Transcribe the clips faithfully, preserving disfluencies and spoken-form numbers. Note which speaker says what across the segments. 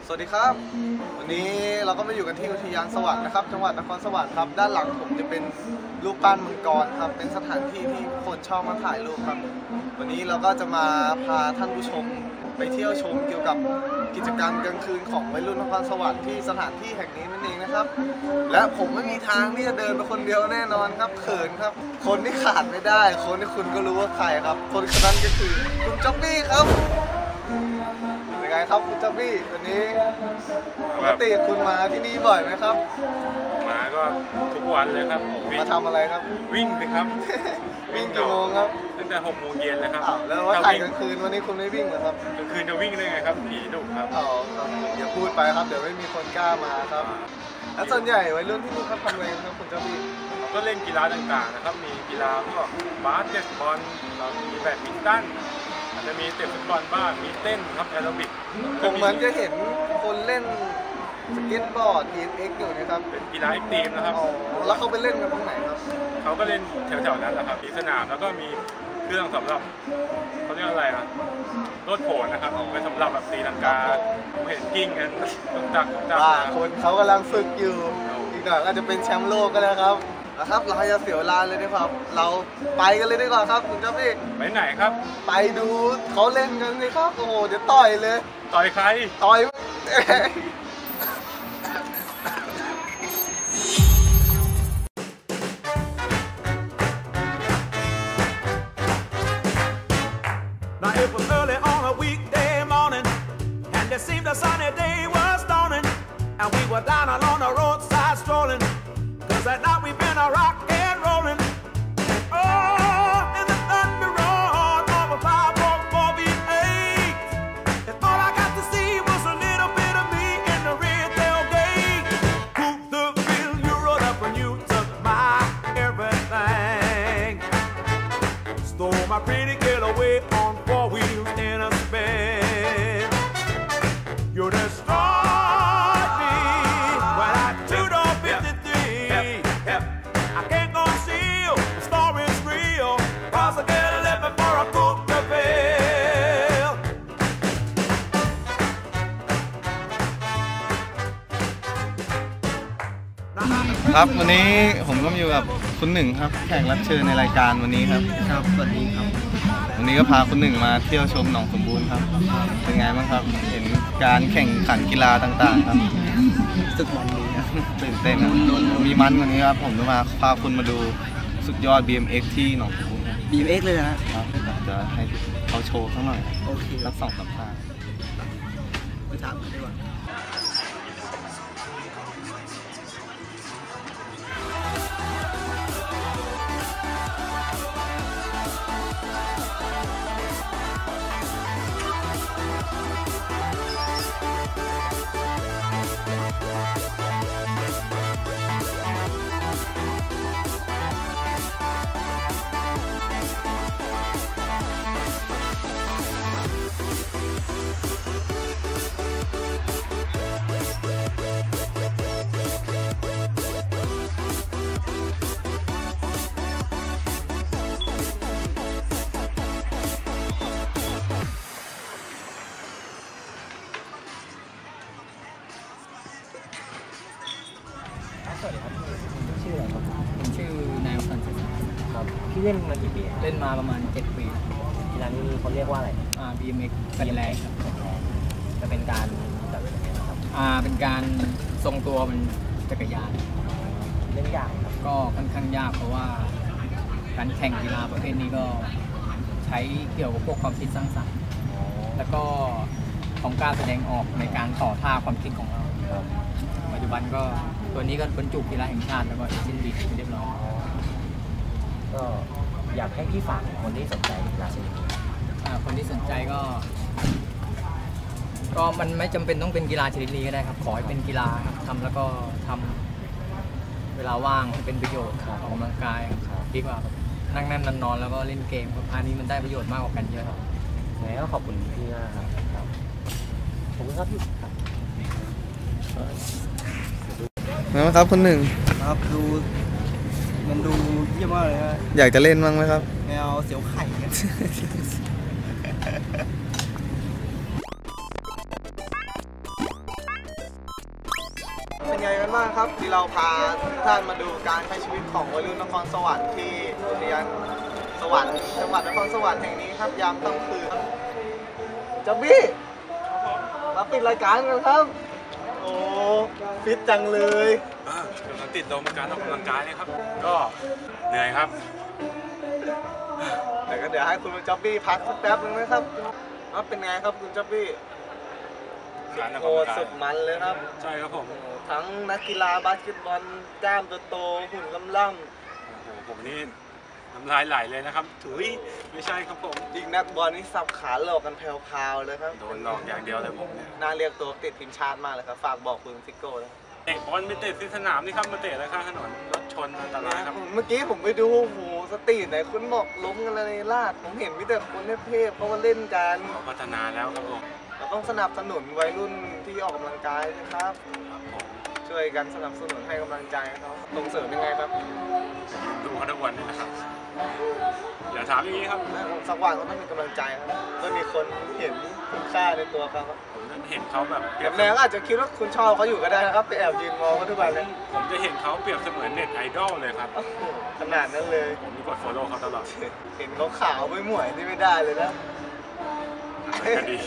Speaker 1: สวัสดีครับวันนี้เราก็มาอยู่กันที่อุทยานสวรรค์นะครับจังหวัดนครสวรรค์ครับด้านหลังผมจะเป็นรูปปั้นมังกรครับเป็นสถานที่ที่คนชอบมาถ่ายรูปครับวันนี้เราก็จะมาพาท่านผู้ชมไปเที่ยวชมเกี่ยวกับกิจกรรมกลางคืนของวัยรุ่นนครสวรรค์ที่สถานที่แห่งนี้นั่นเองนะครับและผมไม่มีทางที่จะเดินไปคนเดียวแน่นอนครับเขินครับคนที่ขาดไม่ได้คนที่คุณก็รู้ว่าใครครับคนคนนั้นก็คือคุณจ๊อบบี้ครับเป็นไงครับคุณจ๊อบบี้วันนี้ปกติคุณมาที่นี่บ่อยไหมครับ
Speaker 2: มาก็ทุกวันเลยครับ
Speaker 1: มาทำอะไรครับ
Speaker 2: วิ่งสิครับ
Speaker 1: วิ่งกี่โมงครับ
Speaker 2: ตั้งแต่หกโมงเย็นเลยครับ
Speaker 1: แล้วว่าถ่ายกลางคืนวันนี้คุณไม่วิ่งเหรอครับ
Speaker 2: กลางคืนจะวิ่งได้ไงครับผีดุครับ
Speaker 1: อ๋อครับอย่าพูดไปครับเดี๋ยวไม่มีคนกล้ามาครับแล้วส่วนใหญ่วัยรุ่นที่นี่เขาทำอะไรครับคุณเจ้าพี่
Speaker 2: ก็เล่นกีฬาต่างๆนะครับมีกีฬาพวกบาสเกตบอลเรามีแบดมินตันอาจจะมีเตะฟุตบอลบ้างมีเต้นครับแอโรบิก
Speaker 1: ผมเหมือนจะเห็นคนเล่นสเก็ตบอร์ด บี เอ็ม เอ็กซ์ อยู่นะครับ
Speaker 2: เป็นกีฬาเอ็กซ์ตรีมนะครับ
Speaker 1: แล้วเขาไปเล่นกันตรงไหนครับ
Speaker 2: เขาก็เล่นแถวๆนั้นแหละครับมีสนามแล้วก็มีเครื่องสำหรับเขาเรียกอะไรนะรถโผล่นะครับไว้สำหรับแบบตีลังกาผมเห็นกิ้งกันตุกตักตุกตัก
Speaker 1: คนเขากำลังฝึกอยู่อีกหน่อยก็จะเป็นแชมป์โลกก็แล้วครับนะครับเราจะเสียเวลาเลยดีกว่าเราไปกันเลยดีกว่าครับคุณเจ้าพี่
Speaker 2: ไปไหนครับ
Speaker 1: ไปดูเขาเล่นกันเลยครับโอ้โหเดี๋ยวต่อยเลย
Speaker 2: ต่อยใคร
Speaker 1: ต่อย
Speaker 3: Now it was early on a weekday morning, and it seemed a sunny day was dawning, and we were down along the roadside strolling, cause at night we've been a rock and rolling. Oh, in the thunder roar of a five one four V eight, and all I got to see was a little bit of me in the red tailgate. Who the real you rode up and you took my everything, stole my pretty girl away on four wheels in a spin. You destroyed me when I took on fifty-three. I can't conceal the story's real, cause I gotta live before I cook the bill.
Speaker 1: ครับวันนี้ผมก็อยู่กับคุณหนึ่งครับแขกรับเชิญในรายการวันนี้ครับ
Speaker 4: ครับสวัสดีครับ
Speaker 1: วันนี้ก็พาคุณหนึ่งมาเที่ยวชมหนองสมบูรณ์ครับเป็นไงบ้างครับเห็นการแข่งขันกีฬาต่างๆครับ
Speaker 4: สึกมันดีนะ
Speaker 1: ตื่นเต้นครับมีมันกว่านี้ครับผมจะมาพาคุณมาดูสุดยอด บี เอ็ม เอ็กซ์ ที่หนองสมบูรณ์
Speaker 4: บี เอ็ม เอ็กซ์ เลยนะครับ
Speaker 1: จะให้เขาโชว์สักหน่อย
Speaker 4: โอเค
Speaker 1: รับสองสามท่า
Speaker 4: ไปถามกันดีกว่า
Speaker 5: สวัสดีครับชื่ออะไรครับผมชื่อนายอันสัน
Speaker 4: ครับพี่เล่นมากี่ปี
Speaker 5: เล่นมาประมาณเจ็ดปี
Speaker 4: กีฬานี้เขาเรียกว่าอะไร
Speaker 5: อ่า บี เอ็ม เอ็กซ์ เป็นแรงครับ
Speaker 4: จะเป็นการจัดเป็นยังไงครับ
Speaker 5: อ่าเป็นการทรงตัวเป็นจักรยาน
Speaker 4: เล่นยากครับ
Speaker 5: ก็ค่อนข้างยากเพราะว่าการแข่งกีฬาประเภทนี้ก็ใช้เกี่ยวกับพวกความคิดสร้างสรรค์แล้วก็ของการแสดงออกในการต่อท่าความคิดของเราปัจจุบันก็ตัวนี้ก็บรรจุกีฬาแห่งชาติแล้วก็สิ้นดีเรียบร้อย
Speaker 4: ก็อยากให้พี่ฝากคนที่สนใจกีฬาชนิดนี้
Speaker 5: คนที่สนใจก็ก็มันไม่จำเป็นต้องเป็นกีฬาชนิดนี้ก็ได้ครับขอให้เป็นกีฬาครับทำแล้วก็ทำเวลาว่างให้เป็นประโยชน์ออกกำลังกายดีกว่านั่งนั่งนอนแล้วก็เล่นเกมอันนี้มันได้ประโยชน์มากกว่ากันเยอะครับ
Speaker 4: แล้วขอบคุณพี่มากครับขอบคุณครับพี่
Speaker 1: นะครับคุณหนึ่ง
Speaker 4: ครับดูมันดูเยี่ยมมากเลยฮะ
Speaker 1: อยากจะเล่นบ้างไหมครับ
Speaker 4: แนวเสียวไข่กัน
Speaker 1: เป็นไงกันบ้างครับที่เราพาทุกท่านมาดูการใช้ชีวิตของวัยรุ่นนครสวรรค์ที่อุทยานสวรรค์จังหวัดนครสวรรค์แห่งนี้ครับยามค่ำคืนจ๊อบบี้มาปิดรายการกันครับโอ้ฟิตจังเลย
Speaker 2: เดี๋ยวเราติดลมการออกกำลังกายเลยครับ ก็เหนื่อยครับ
Speaker 1: แต่ก็เดี๋ยวให้คุณจ๊อบบี้พักสักแป๊บนึงนะครับว่าเป็นไงครับคุณจ๊อบบี้
Speaker 2: การออก
Speaker 1: โอ้
Speaker 2: กำลังกาย
Speaker 1: สุดมันเลยครับ
Speaker 2: ใช่ครับผม
Speaker 1: ทั้งนักกีฬาบาสเกตบอลกล้ามโตๆหุ่นล่ำ
Speaker 2: โอ้โหผมนี่น้ำลายไหลเลยนะครับถุยไม่ใช่ครับผม
Speaker 1: ๆยิงนักบอลนี่สับขาหลอกกันแผ่วๆเลยครับ
Speaker 2: โดนหลอกอย่างเดียวเลยผมเนี่ย
Speaker 1: น่าเรียกตัวติดทีมชาติมากเลยครับฝากบอกคุณซิโก้เลย
Speaker 2: เตะบอลไปเตะที่สนามนี่ครับมาเตะอะไรข้างถนนรถชนอันตรายครับ
Speaker 1: เมื่อกี้ผมไปดูโอ้โหสตรีทไหนคุณบอกล้มกันเลยลาดผมเห็นมิแต่คนเทพๆเขามาเล่นกัน
Speaker 2: เขาพัฒนาแล้วครับผม
Speaker 1: เราต้องสนับสนุนวัยรุ่นที่ออกกำลังกายนะครับ
Speaker 2: ครับผม
Speaker 1: ช่วยกันสนับสนุนให้กำลังใจเขาส่งเสริมยังไงครับ
Speaker 2: ดูเขาทุกวันนี่นะครับ อย่าถามอย่างนี้ครับ
Speaker 1: สักวันเขาต้องมีกำลังใจครับต้องมีคนเห็นคุณค่าในตัวเขาครับ
Speaker 2: ผมจะเห็นเขาแบบเปรียบ
Speaker 1: แรงอาจจะคิดว่าคุณชอบเขาอยู่ก็ได้นะครับไปแอบยืนมองเขาทุกวันเลย
Speaker 2: ผมจะเห็นเขาเปรียบเสมือนเน็ตไอดอลเลยครับ
Speaker 1: โอ้โหขนาดนั้นเลย
Speaker 2: ผมมีกด follow เขาตลอด
Speaker 1: เห็นเขาขาวไม่หมวยนี่ไม่ได้เลยนะ
Speaker 2: ก็ดี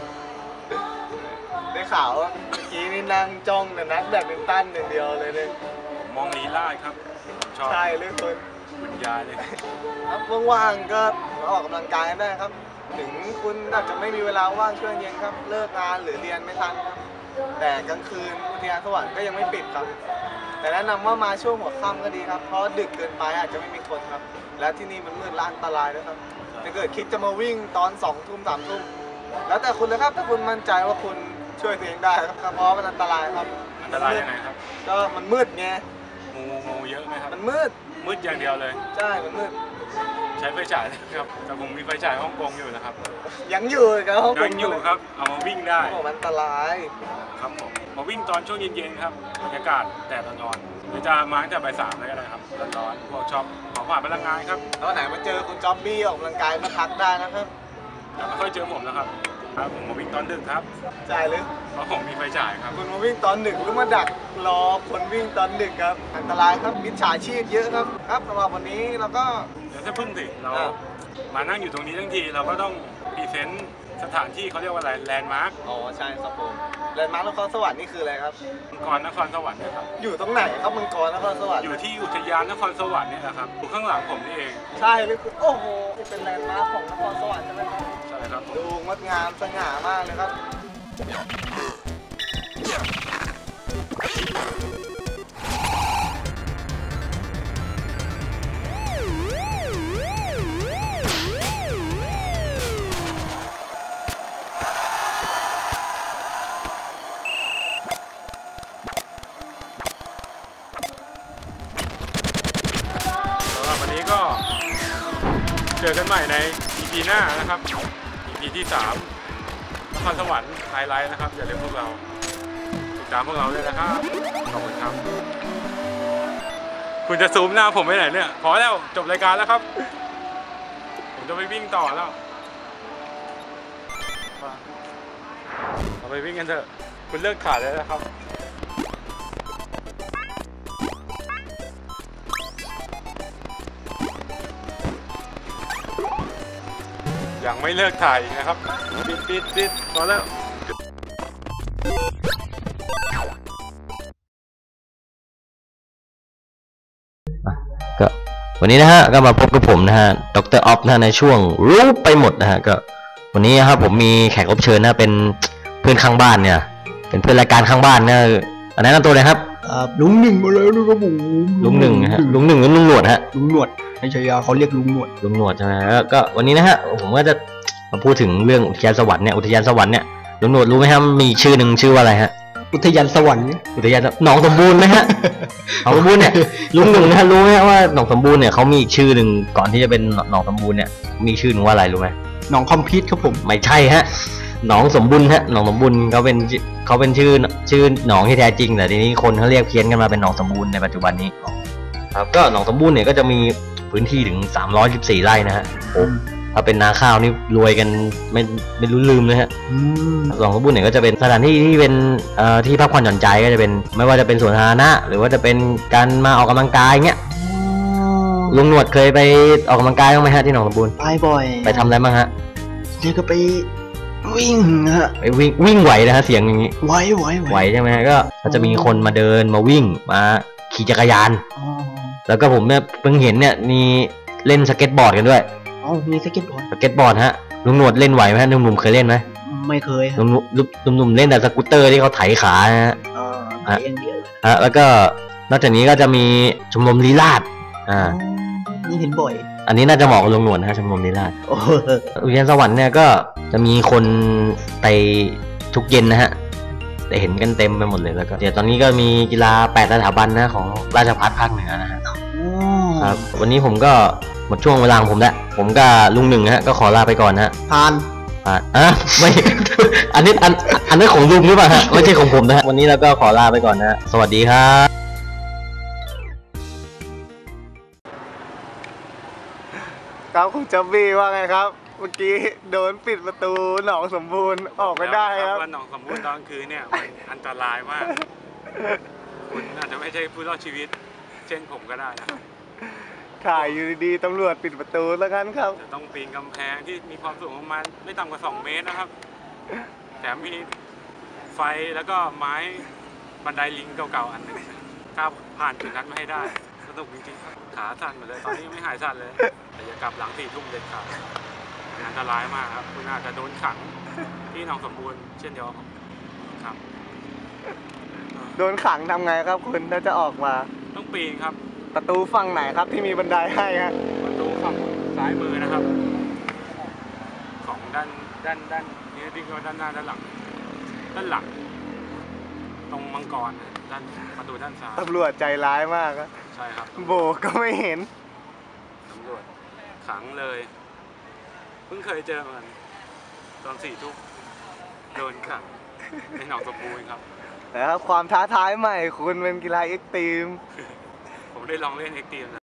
Speaker 1: ได้ข่าวว่าเมื่อกี้นี่นั่งจ้องแต่นักแบดมินตันอย่างเดียวเลยเนี่ย
Speaker 2: ผมมองลีลาดครับผมชอบ
Speaker 1: ใช่เลยคน
Speaker 2: บรรยายเลย
Speaker 1: ครับว่างๆก็มาออกกำลังกายได้ครับ ถึงคุณอาจจะไม่มีเวลาว่างช่วงเย็นครับ เลิกงานหรือเรียนไม่ทันครับ แต่กลางคืนอุทยานสวรรค์ก็ยังไม่ปิดครับ แต่แนะนำว่ามาช่วงหัวค่ำก็ดีครับ เพราะดึกเกินไปอาจจะไม่มีคนครับ และที่นี่มันมืดและอันตรายด้วยครับถ้าเกิดคิดจะมาวิ่งตอนสองทุ่มสามทุ่มแล้วแต่คุณเลยครับถ้าคุณมั่นใจว่าคุณช่วยตัวเองได้ครับเพราะมันอันตรายครับ
Speaker 2: อันตรายยังไงครับ
Speaker 1: ก็มันมืดไง
Speaker 2: งูงูเยอะไหมครับ
Speaker 1: มันมืด
Speaker 2: มืดอย่างเดียวเลย
Speaker 1: ใช่ มันมืด
Speaker 2: ใช้ไฟฉายนะครับแต่ผมมีไฟฉายฮ่องกงอยู่นะครับ
Speaker 1: ยังอยู่ครับห้อง
Speaker 2: ยังอยู่ครับ เอามาวิ่งได้
Speaker 1: โอ้มันอันตราย
Speaker 2: ครับผมมาวิ่งตอนช่วงเย็นๆครับบรรยากาศแดดร้อนๆหรือจะมาตั้งแต่บ่ายสามเลยก็ได้ครับร้อนๆพวกชอบของผ่านพลังงานครับ
Speaker 1: แล้วไหนมาเจอคุณจ๊อบบี้ออกกำลังกายก็ทักได้นะครับ
Speaker 2: แต่ไม่ค่อยเจอผมนะครับครับผมมาวิ่งตอนดึกครับ
Speaker 1: ใช่หรือ
Speaker 2: เพราะผมมีไฟฉายครับ
Speaker 1: คุณมาวิ่งตอนดึกหรือมาดักรอคนวิ่งตอนดึกครับ อันตรายครับมิจฉาชีพเยอะครับ ครับสำหรับวันนี้เราก็
Speaker 2: เดี๋ยวถ้าพึ่งสิเรา
Speaker 1: อ่า
Speaker 2: มานั่งอยู่ตรงนี้ทั้งทีเราก็ต้องพรีเซนต์สถานที่เขาเรียกว่าอะไรแลนด์มาร์ค
Speaker 1: อ๋อใช่ครับผมแลนด์มาร์คนครสวรรค์นี่คืออะไรครับ
Speaker 2: มังกรนครสวรรค์เนะครับ
Speaker 1: อยู่ตรงไหนครับมังกรนครสวรรค์
Speaker 2: อยู่ที่อุทยานนครสวรรค์เนี่ยนะครับอยู่ข้างหลังผมนี่เอง
Speaker 1: ใช่หรือคุณโอ้โหนี่เป็นแลนด์มาร์คของนครสวรรค์ใช่ไหมครับ
Speaker 2: ใช่ครับผม
Speaker 1: ดูงดงามสง่ามากเลยครับ
Speaker 2: สำหรับวันนี้ก็เจอกันใหม่ใน อี พี หน้านะครับ อี พี ที่สามนครสวรรค์ไฮไลท์นะครับอย่าลืมพวกเราติดตามพวกเราด้วยนะครับขอบคุณครับคุณจะซูมหน้าผมไปไหนเนี่ยพอแล้วจบรายการแล้วครับ ผมจะไปวิ่งต่อแล้วเราไปวิ่งกันเถอะคุณเลิกขาดแล้วนะครับ ยังไม่เลิกถ่ายอีกนะครับปิดปิดปิดพอแล้ว
Speaker 4: ก็วันนี้นะฮะก็มาพบกับผมนะฮะดรออฟนะฮะในช่วงรู้ไปหมดนะฮะก็วันนี้นะครับผมมีแขกรับเชิญนะเป็นเพื่อนข้างบ้านเนี่ยเป็นเพื่อนรายการข้างบ้านนะอันนั้นตัวเลยครับ
Speaker 6: ครับลุงหนึ่งมาแล้วนะครับผม
Speaker 4: ลุงหนึ่งนะฮะลุงหนึ่งหรือลุงหนวดฮะ
Speaker 6: ลุงหนวดในชายาเขาเรียกลุงหนวด
Speaker 4: ลุงหนวดใช่ไหมแล้วก็วันนี้นะฮะผมก็จะมาพูดถึงเรื่องอุทยานสวรรค์เนี่ยอุทยานสวรรค์เนี่ยลุงหนวดรู้ไหมครับมีชื่อหนึ่งชื่อว่าอะไรฮะ
Speaker 6: อุทยานสวรรค์
Speaker 4: อุทยานหนองสมบูรณ์ไหมฮะ หนองสมบูรณ์เนี่ยลุงหนึ่งนะฮะรู้ไหมฮะว่าหนองสมบูรณ์เนี่ยเขามีอีกชื่อหนึ่งก่อนที่จะเป็นหนองสมบูรณ์เนี่ยมีชื่อหนึ่งว่าอะไรรู้ไหม
Speaker 6: หนองคอมพิวต์ครับผม
Speaker 4: ไม่ใช่ฮะหนองสมบูรณ์ฮะหนองสมบูรณ์เขาเป็นเขาเป็นชื่อชื่อหนองที่แท้จริงแต่ทีนี้คนเขาเรียกเพี้ยนกันมาเป็นหนองสมบูรณ์ในปัจจุบันนี้ครับก็หนองสมบูรณ์เนี่ยก็จะมีพื้นที่ถึงสามร้อยสิบสี่ไร่นะฮะโอ้ถ้าเป็นนาข้าวนี่รวยกันไม่ไม่รู้ลืมเลยฮะ
Speaker 6: อืม
Speaker 4: หนองสมบูรณ์เนี่ยก็จะเป็นสถานที่ที่เป็นเอ่อที่พักผ่อนหย่อนใจก็จะเป็นไม่ว่าจะเป็นสวนสาธารณะหรือว่าจะเป็นการมาออกกำลังกายเงี้ยลุงหนวดเคยไปออกกำลังกายบ้างไหมฮะที่หนองสมบูรณ์
Speaker 6: ไปบ่อย
Speaker 4: ไปทำอะไรบ้างฮะ
Speaker 6: นี่ก็ไปวิ่งฮะ
Speaker 4: ไปวิ่งวิ่งไหวนะฮะเสียงอย่างนี้
Speaker 6: ไหวไหว
Speaker 4: ไหวใช่ไหมฮะก็ก็จะมีคนมาเดินมาวิ่งมาขี่จักรยาน
Speaker 6: อ๋อ
Speaker 4: แล้วก็ผมเนี่ยเพิ่งเห็นเนี่ยมีเล่นสเก็ตบอร์ดกันด้วย
Speaker 6: อ๋อมีสเก็ตบอร์ด
Speaker 4: สเก็ตบอร์ดฮะลุงหนวดเล่นไหวไหมฮะหนุ่มๆเคยเล่นไหม
Speaker 6: ไม่เคย
Speaker 4: ห
Speaker 6: ฮะ
Speaker 4: นุ่มๆหนุ่มๆเล่นแต่สกูตเตอร์ที่เขาไถขานะฮะ
Speaker 6: อ๋อไปอย่างเดียวเลย
Speaker 4: ฮะแล้วก็นอกจากนี้ก็จะมีชมรมลีลาศอ่า
Speaker 6: อ๋อนี่เห็นบ่อย
Speaker 4: อันนี้น่าจะเหมาะกับลุงหนวดนะฮะชมรมลีลาศ
Speaker 6: โอ้โห
Speaker 4: อุทยานสวรรค์เนี่ยก็จะมีคนไปทุกเย็นนะฮะแต่เห็นกันเต็มไปหมดเลยแล้วก็เดี๋ยวตอนนี้ก็มีกีฬาแปดสถาบันนะของราชภัฏภาคเหนือนะฮะ
Speaker 6: อ๋อ
Speaker 4: ครับวันนี้ผมก็หมดช่วงเวลาของผมแล้วผมกับลุงหนึ่งฮะก็ขอลาไปก่อนนะฮะ
Speaker 6: ผ่าน
Speaker 4: อ่ะอ่ะไม่ อันนี้อันอันนี้ของลุงหรือเปล่าฮะไม่ใช่ของผมนะฮะวันนี้เราก็ขอลาไปก่อนนะฮะสวัสดีครับ
Speaker 1: ครับคุณจับบี้ว่าไงครับ เมื่อกี้โดนปิดประตูหนองสมบูรณ์ออกไม่ได้ครับ
Speaker 2: ว่าหนองสมบูรณ์ตอนกลางคืนเนี่ยมันอันตรายมาก คุณอาจจะไม่ใช่ผู้รอดชีวิต เช่นผมก็ได้นะครับ
Speaker 1: ถ่ายอยู่ดีๆตำรวจปิดประตูแล้วกันครับ
Speaker 2: จะต้องปีนกำแพงที่มีความสูงประมาณไม่ต่ำกว่าสองเมตรนะครับ แถมมีไฟแล้วก็ไม้บันไดลิงเก่าๆอันหนึงก้าวผ่านจุดนั้นมาให้ได้สนุกจริงๆครับขาสั่นหมดเลยตอนนี้ยังไม่หายสั่นเลย แต่อย่ากลับหลังสี่ทุ่มเด็ดขาดมันอันตรายมากครับคุณอาจจะโดนขังที่หนองสมบูรณ์เช่นเดียวกับผมครับ
Speaker 1: โดนขังทำไงครับคุณถ้าจะออกมา
Speaker 2: ต้องปีนครับ
Speaker 1: ประตูฝั่งไหนครับที่มีบันไดให้ฮะ
Speaker 2: ประตูฝั่งซ้ายมือนะครับ ของด้านด้านด้านนี้ที่ก็ด้านหน้าด้านหลัง ด้านหลัง ตรงมังกรนะด้านประตูด้านซ้าย
Speaker 1: ตำรวจใจร้ายมากครับ
Speaker 2: ใช่ครับ
Speaker 1: โบกก็ไม่เห็น
Speaker 2: ตำรวจขังเลย เพิ่งเคยเจอเหมือนกันตอนสี่ทุ่มโดนขังในหนองสมบูรณ์ครับ
Speaker 1: นะครับความท้าทายใหม่คุณเป็นกีฬาเอ็กซ์ตรีม
Speaker 2: ผมได้ลองเล่นเอ็กซ์ตรีมนะ